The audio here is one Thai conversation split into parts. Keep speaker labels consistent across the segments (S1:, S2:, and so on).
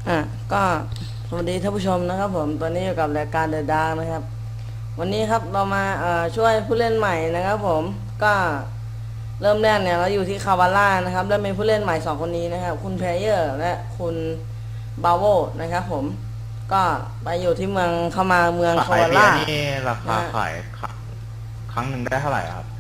S1: ก็สวัสดีท่านผู้ชมนะครับผมตอนนี้อยู่กับรายการเดอะดาร์นะครับวันนี้ครับเรามาช่วยผู้เล่นใหม่นะครับผมก็เริ่มแรกเนี่ยเราอยู่ที่คาวาล่านะครับแล้วมีผู้เล่นใหม่2คนนี้นะครับคุณเพลเยอร์และคุณบาโวนะครับผมก็ไปอยู่ที่เมืองเข้ามาเมืองคา
S2: ขาย
S1: วาล่า
S2: เบียร์นี่ราคา
S1: นะฮะ
S2: ขายครั้งหนึ่งได้เท่าไหร่ครับ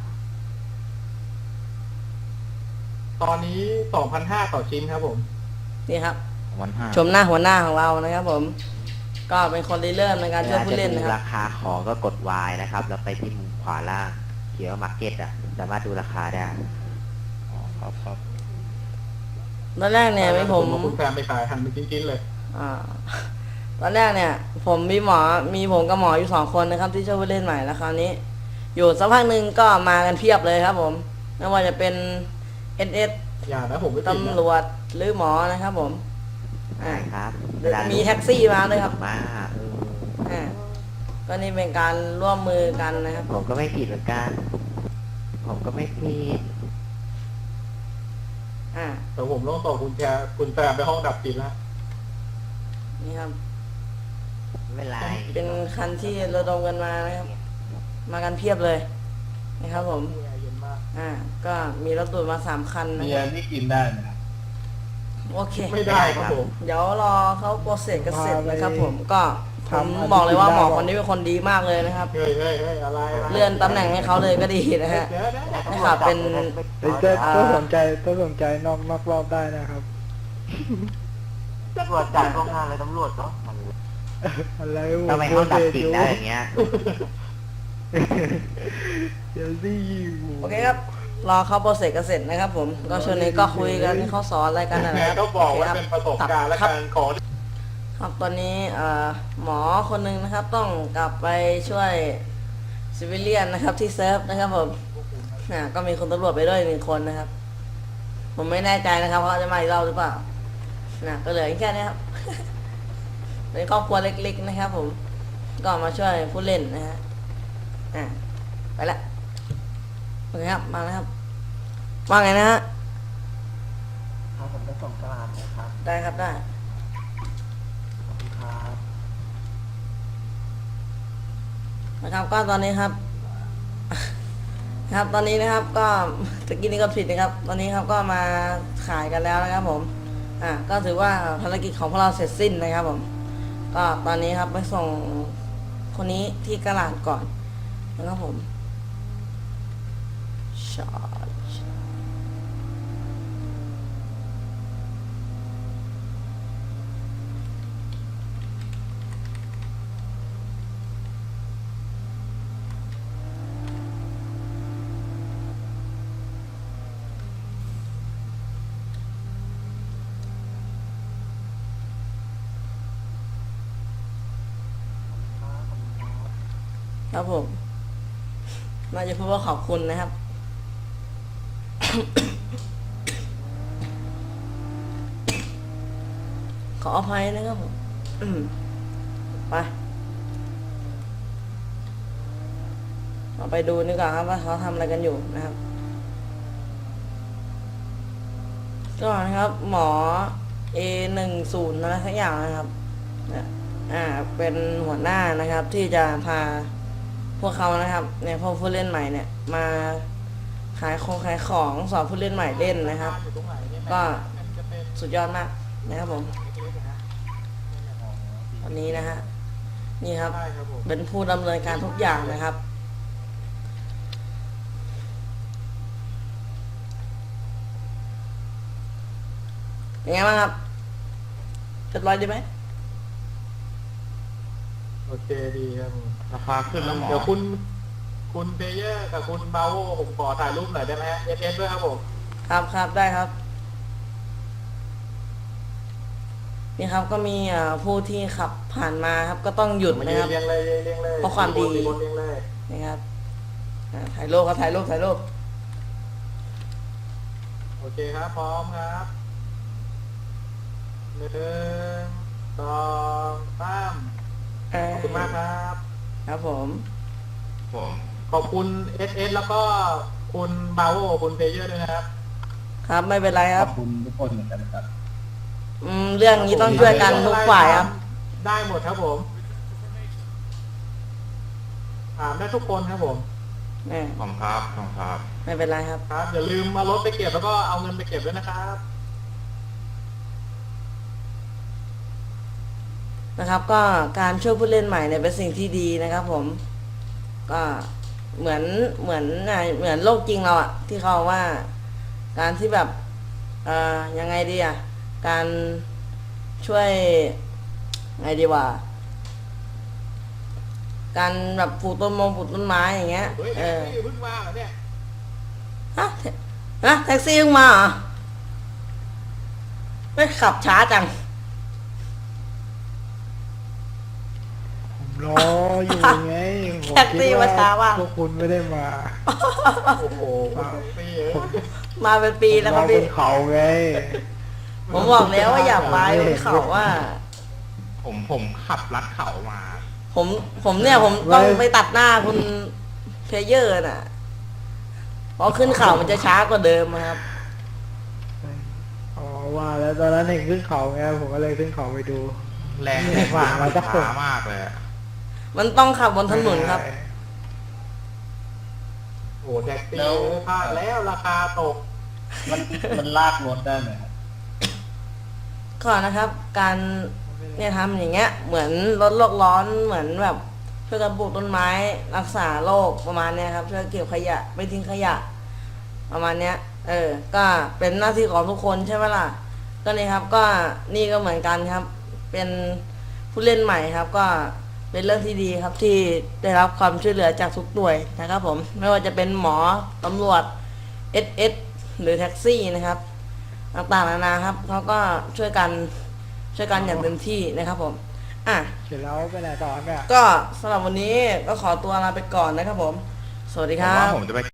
S3: ตอนนี้ 2,500 ต่อชิ้นครับผม
S1: นี่ครับ
S2: 1,500
S1: ชมหน้าหัวหน้าของเรานะครับผมก็เป็นคนริเริ่มในการช่วยผู้เล่น
S4: จะ
S1: นะค
S4: ดู
S1: รับ
S4: ราคาของก็กด Y นะครับแล้วไปที่มุมขวาล่างเขียนว่า Market สามารถดูราคาได้
S2: อ๋อครับ
S1: ตอนแรกเนี่ยมีผม
S3: คุณแฟนไปขายหั่นเป็นชิ้นๆเลย
S1: อ่าตอนแรกเนี่ยผมมีผมกับหมออยู่2 คนนะครับที่ช่วยผู้เล่นใหม่แล้วคราวนี้ อยู่สักพักหนึ่งก็มากันเพียบเลยครับผมไม่ว่าจะเป็น SS
S3: อย่านะผมไม่ผิดนะ
S1: ตำรวจหรือหมอนะครับผม
S4: ได้ครับ
S1: มีแท็กซี่มาด้วยครับ
S4: มา
S1: อ่าก็นี่เป็นการร่วมมือกันนะครับ
S4: ผมก็ไม่ผิดเหมือนกัน ผมก็ไม่ผิด
S1: อ่า
S3: แต่ผมต้องส่งคุณแฟนไปห้องดับจิตแล้ว
S1: นี่ครับ
S4: ไม่เป็นไร
S1: เป็นคันที่ระดมกันมานะครับมากันเพียบเลยนะครับผม
S3: แอร์เย็นมาก
S1: ก็มีรถตู้มา3 คันนะ
S2: เบี
S1: ค
S2: ย
S1: รับ
S2: ร์นี่กินได้ไหมครับ
S1: โอเค
S3: ไม่ได้ครับผม
S1: เดี๋ยวรอเขาโปรเซสกันเสร็จนะครับผมก็ผมบอกเลยว่าหมอคนนี้เป็นคนดีมากเลยนะครับ
S3: เฮ้ยอะไร
S1: เลื่อนตำแหน่งให้เขาเลยก็ดีนะฮะ
S3: เดี๋ยว
S1: นะครับเป็น
S5: ต้องสนใจนอกรอบได้นะครับ
S4: ตำรวจจับโรงงานเลยตำรวจเนาะ
S5: อะไร
S4: ทำไมห้องดับจิตได้อย่างเงี้ย
S5: เดี๋ยวสิ
S1: โอเคครับรอเขาโปรเซสกันเสร็จนะครับผมก็ช่วงนี้ก็คุยกันให้เขาสอนอะไรกันนะ
S3: แหม
S1: ครับ
S3: ต้องบอกว่า
S1: โค
S3: เป็นประสบการณ์และ
S1: ครับ
S3: การขอ
S1: ครับตอนนี้หมอคนหนึ่งนะครับต้องกลับไปช่วยซิวิเลียนนะครับที่เซิร์ฟนะครับผมก็มีคนตำรวจไปด้วย1 คนนะครับ ผมไม่แน่ใจนะครับว่าเขาจะมาอีกรอบหรือเปล่าก็เหลือแค่นี้ครับ เป็นครอบครัวเล็กๆนะครับผมก็มาช่วยผู้เล่นนะฮะไปละโอเคครับมาแล้วครับว่าไงนะฮะ
S4: ครับผมจะส่งตลาดนะครับ
S1: ได้ครับได้
S4: ขอบคุณครับ
S1: นะครับก็ตอนนี้ครับ ครับตอนนี้นะครับก็ตะกี้นี้ก็ผิดนะครับ ตอนนี้ครับก็มาขายกันแล้วนะครับผมก็ถือว่าภารกิจของพวกเราเสร็จสิ้นนะครับผมก็ตอนนี้ครับไปส่งคนนี้ที่กระลาดก่อนนะครับผมชาร์จครับผมน่าจะพูดว่าขอบคุณนะครับ ขออภัยนะครับผมไปเราไปดูดีกว่าครับว่าเขาทำอะไรกันอยู่นะครับก็นะครับหมอ A10 อะไรสักอย่างนะครับเป็นหัวหน้านะครับที่จะพาพวกเขานะครับเนี่ยพวกผู้เล่นใหม่เนี่ยมาขายของสอนผู้เล่นใหม่เล่นนะครับ
S3: อยู่ตรงไหนเนี่ย
S1: ก็
S3: มันจะเป็น
S1: สุดยอดมากนะครับผมวันนี้นะฮะนี่ครับ
S3: ใช่ครับผม
S1: เป็นผู้ดำเนินการทุกอย่างนะครับเป็นไงบ้างครับเรียบร้อยดีไหม
S3: โอเคดีครับผม
S2: ราคาขึ้นแล้วหมอ
S3: เดี๋ยวคุณเพเยอร์กับคุณบาโวผมขอถ่ายรูปหน่อยได้ไหมฮะเอสด้วยครับผม
S1: ครับได้ครับนี่ครับก็มีผู้ที่ขับผ่านมาครับก็ต้องหยุด
S3: มา
S1: นะครับ
S3: เรียงเลย
S1: เพราะความดี
S3: เรียงเลย
S1: นี่ครับถ่ายรูปครับถ่ายรูป
S3: โอเคครับพร้อมครับ1 2 3ขอบคุณมากครับ
S1: ครับผม
S2: ผม
S3: ขอบคุณเอสแล้วก็คุณบาโวคุณเพเยอร์ด้วยนะครับ
S1: ครับไม่เป็นไรค
S2: ข
S1: รั
S2: อบ บคุณทุกคนเหมือนกันครับ
S3: ร
S1: เรื่องนี้ต้องช่วยกันทุกฝ่ายครับ
S3: ได้หมดครับผมถามได้ทุกคนครับผม
S2: ของครับของครับ
S1: ไม่เป็นไรครับ
S3: ครับอย่าลืมมารถไปเก็บแล้วก็เอาเงินไปเก็บด้วยนะครับ
S1: นะครับ ก็การช่วยผู้เล่นใหม่เนี่ยเป็นสิ่งที่ดีนะครับ ผม ก็เหมือนโลกจริงเราอะที่เขาว่า การที่แบบยังไงดีอะการช่วยไงดีว่า การแบบปลูกต้นไม้อย่างเงี้ย
S3: เฮ้ยแท็กซี่เพิ่งมาเหรอเนี่ย
S1: ฮะแท็กซี่เพิ่งมาเหรอไม่ขับช้าจัง
S5: ผมรออยู่ไงผม
S1: แท็กซี่
S5: คิด
S1: มาช้าว่ะ
S5: พวกคุณไม่ได้มา
S3: โอ้โหปีเอ้ย
S1: มาเป็นปีแล้วครับ
S5: มาบ
S1: พี่
S5: นเขาไง
S1: ผมบอกแล้วว่าอย่าไปบนเขาว่า
S2: ผมขับลัดเขามา
S1: ผมต้องไปตัดหน้าคุณเพลเยอร์น่ะเพราะขึ้นเขามันจะช้ากว่าเดิมครับ
S5: อ๋อว่าแล้วตอนนั้นเห็นขึ้นเขาไงผมก็เลยขึ้นเขาไปดู
S2: แรง
S5: เนี่ย
S2: มาก
S5: มาสักคน
S2: ช้ามากเลยอะ
S1: มันต้องขับบนถนนครับ
S3: โอ้โหแท็กซี่พลาดแล้วราคาตก
S2: มันลากรถได้ไหม
S1: ก็นะครับ การเนี่ยทำอย่างเงี้ย เหมือนลดโลกร้อนเหมือนแบบช่วยกันปลูกต้นไม้รักษาโลกประมาณเนี้ยครับช่วยเก็บขยะไม่ทิ้งขยะ ประมาณเนี้ย ก็เป็นหน้าที่ของทุกคนใช่ไหมล่ะ ก็นี่ครับก็นี่ก็เหมือนกันครับ เป็นผู้เล่นใหม่ครับ ก็เป็นเรื่องที่ดีครับที่ได้รับความช่วยเหลือจากทุกหน่วยนะครับ ผมไม่ว่าจะเป็นหมอตำรวจ SS หรือแท็กซี่นะครับ ต่างๆนานาครับเขาก็ช่วยกันอย่างเต็มที่นะครับ ผม
S5: เสร็จแล้วไปไหนต่อเนี่ย
S1: ก็สำหรับวันนี้ก็ขอตัวลาไปก่อนนะครับ ผม สวัสดี
S2: ผ
S1: ค
S2: ม
S1: รั
S2: ว่า
S1: บ
S2: ผมจะไป